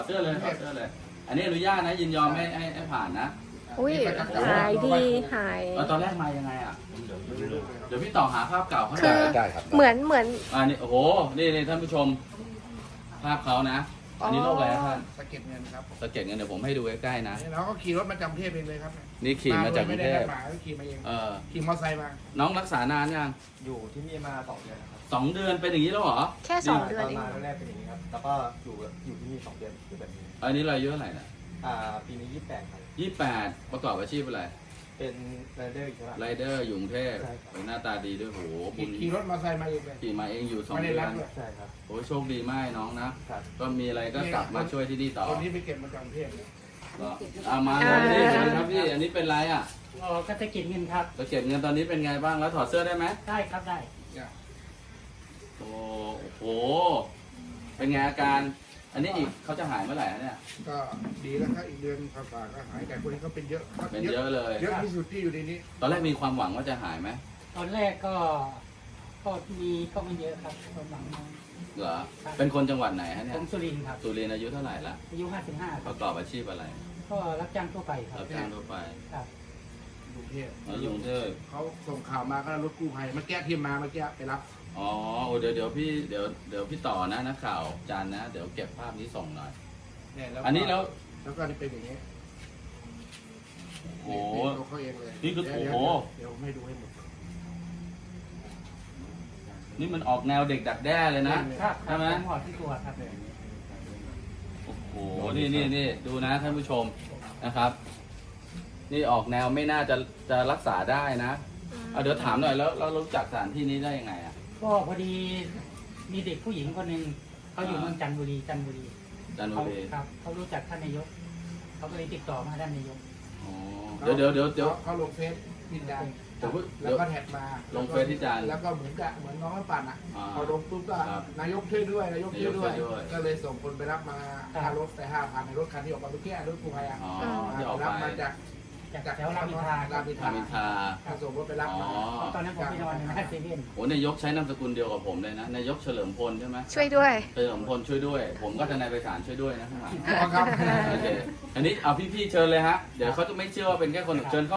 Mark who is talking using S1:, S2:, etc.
S1: เสื้อเลยถอดเสื้อเลย อันนี้อนุญาตนะยินยอมให้ผ่านนะ
S2: อุ้ยหายดีหาย
S1: ตอนแรกมายังไงอ่ะเดี๋ยวพี่ต่อหาภาพเก่าเขาห
S2: คื
S1: น่
S2: อ
S1: อย
S3: ได้ครับ
S2: เหมือน
S1: นี่โอ้โหนี่ท่านผู้ชม ภาพเขานะ อันนี้โรคอะไรครับท่าน
S4: สะเก็ดเงินครับ
S1: สะเก็ดเงินเดี๋ยวผมให้ดูใกล้ๆนะ
S4: แล้วก็ขี่รถมาจากกรุงเทพเองเลยครับ
S1: นี่ขี่มาจากกรุ
S4: ไม่
S1: ง
S4: ได้
S1: เท
S4: นั
S1: พ
S4: ดหมายขี่มาเอง ขี่มอเตอร์ไซค์มา
S1: น้องรักษานานยัง
S3: อยู่ที่นี่มา2 เดือนนะครับ
S1: 2 เดือนเป็นอย่างนี้แล้วเหรอ
S2: แค่2 เดือน
S3: ตอน
S2: เอง
S3: มาแรกๆเป็นอย่างนี้ครับ แล้วก็อยู่ที่นี่2 เดือนคือแบบนี้
S1: อันนี้เราอายุเท่าไหร่นะ
S3: ปีนี้28ครับ
S1: 28ประกอบอาชีพอะไร
S3: เป็นไรเดอร์อีกใช่ไหม
S1: ไรเดอร์อยู่กรุงเทพ
S3: ใช่ครับ
S1: โอ้ยหน้าตาดีด้วยโหบุญ
S4: ขี่รถมอเตอร์ไซค์มาเองเลย
S1: ขี่มาเองอยู่2
S4: ไม่ได้
S1: เดือ
S4: รั
S1: น
S4: บด้วย
S3: ใช่ครับ
S1: โอ้ยโชคดีมากน้องนะ
S3: ครับ
S1: ก็มีอะไรก็กลับมาช่วยที่นี่ต่อ
S4: คนนี้ไปเก็บมาจากกรุงเทพเลย
S1: เอามาเลยนี่ครับพี่ อันนี้เป็นไรอ่ะ
S5: อ๋อก็จะเก็บเงินครับ
S1: จะเก็บเงินตอนนี้เป็นไงบ้างแล้วถอดเสื้อได้ไหม
S5: ได้ครับได้
S1: โอ้โห เป็นไงอาการ อันนี้อีกเขาจะหายเมื่อไหร่ฮะเนี่ย
S4: ก็ดีแล้วครับอีกเดือนกว่าๆก็หายแต่คนนี้ก็เป็นเยอะ
S1: เป็นเยอะเลย
S4: เยอะที่สุดที่อยู่ในนี้
S1: ตอนแรกมีความหวังว่าจะหายไหม
S5: ตอนแรกก็มีก็ไม่เยอะครับประมาณนั้น
S1: เหรอ เป็นคนจังหวัดไหนฮะเนี่
S5: ผ
S1: ย
S5: มสุรินทร์ครับ
S1: สุรินทร์อายุเท่าไหร่ละ
S5: อายุ55ค
S1: ป
S5: รับ
S1: ระกอบอาชีพอะไร
S5: ก็รับจ้างทั่วไปครับ
S1: รับจ้างทั่วไป
S5: ครับ
S4: กรุงเทพ
S1: แล้วอยู่กรุงเทพ
S4: เขาส่งข่าวมาก็รถกู้ภัยมาแก้ทีมมาเมื่อกี้ไปรับ
S1: อ๋อโอ้เดี๋ยวพี่ต่อนะนักข่าวจานนะ เดี๋ยวเก็บภาพนี้ส่งหน่อย
S4: เนี่ยแล้ว
S1: อันนี้แล้ว
S4: แล้วก็เป็นอย่างนี้
S1: โอ้โห
S4: ตัวเขาเองเลย
S1: นี่คือ
S4: เดี๋ยว
S1: โอ้โห
S4: เดี๋ยวให้ดูให้หมด
S1: นี่มันออกแนวเด็กดักแด้เลยนะ
S5: ครับ
S1: ใช่ไหม
S5: ผมหอดที่ตัวครับ
S1: โอ้โห นี่ดูนะท่านผู้ชมนะครับ นี่ออกแนวไม่น่าจะรักษาได้นะเอาเดี๋ยวถามหน่อยแล้วเรารู้จักสถานที่นี้ได้ยังไงอ่ะ
S5: ก็พอดีมีเด็กผู้หญิงคนหนึ่งเขาอยู่เมืองจันทบุรี
S1: จันทบุ
S5: เขา
S1: รี
S5: ครับเขารู้จักท่านนายกเขาก็เลยติดต่อมาท่านนายก
S1: อ๋อเดี๋ยว
S4: เขาลงเฟซพินดาน
S1: เดี๋ยว
S4: แล้วก็แท็กมา
S1: ลงเฟซที่จาน
S4: แล้วก็เหมือนน้องให้ปั่นอ่ะ
S1: อ่า
S4: พอลงปุ๊บก็
S1: ครับ
S4: นายกช่วยด้วยนายกช่วยด้วย
S1: นายกช่วยด้วย
S4: ก็เลยส่งคนไปรับมาค่ารถไป5,000ในรถคันที่ออกมาเมื่อกี้รถกู้ภัยอ่ะ
S1: อ๋อที่ออก
S4: รับ
S1: ไป
S4: มาจาก
S5: จากแถวรามอินทราค
S4: รา
S5: รั
S4: ม
S5: บ
S4: อินท
S1: รา
S4: รา
S1: มินทรา
S4: ก็ส่งรถไปรับ
S1: อ๋อ
S4: มา
S5: ตอนนั้นผมไปนอนในหน้าเซเว่น
S1: โอ้นายกใช้นามสกุลเดียวกับผมเลยนะ นายกเฉลิมพลใช่ไหม
S2: ช่วยด้วย
S1: เฉลิมพลช่วยด้วย ผมก็ทนายไพศาลช่วยด้วยนะข้างหลัง
S4: อ๋อครับ
S1: โอเค อันนี้เอาพี่ๆเชิญเลยฮะ เดี๋ยวเขาจะไม่เชื่อว่าเป็นแค่คนเชิญเข้า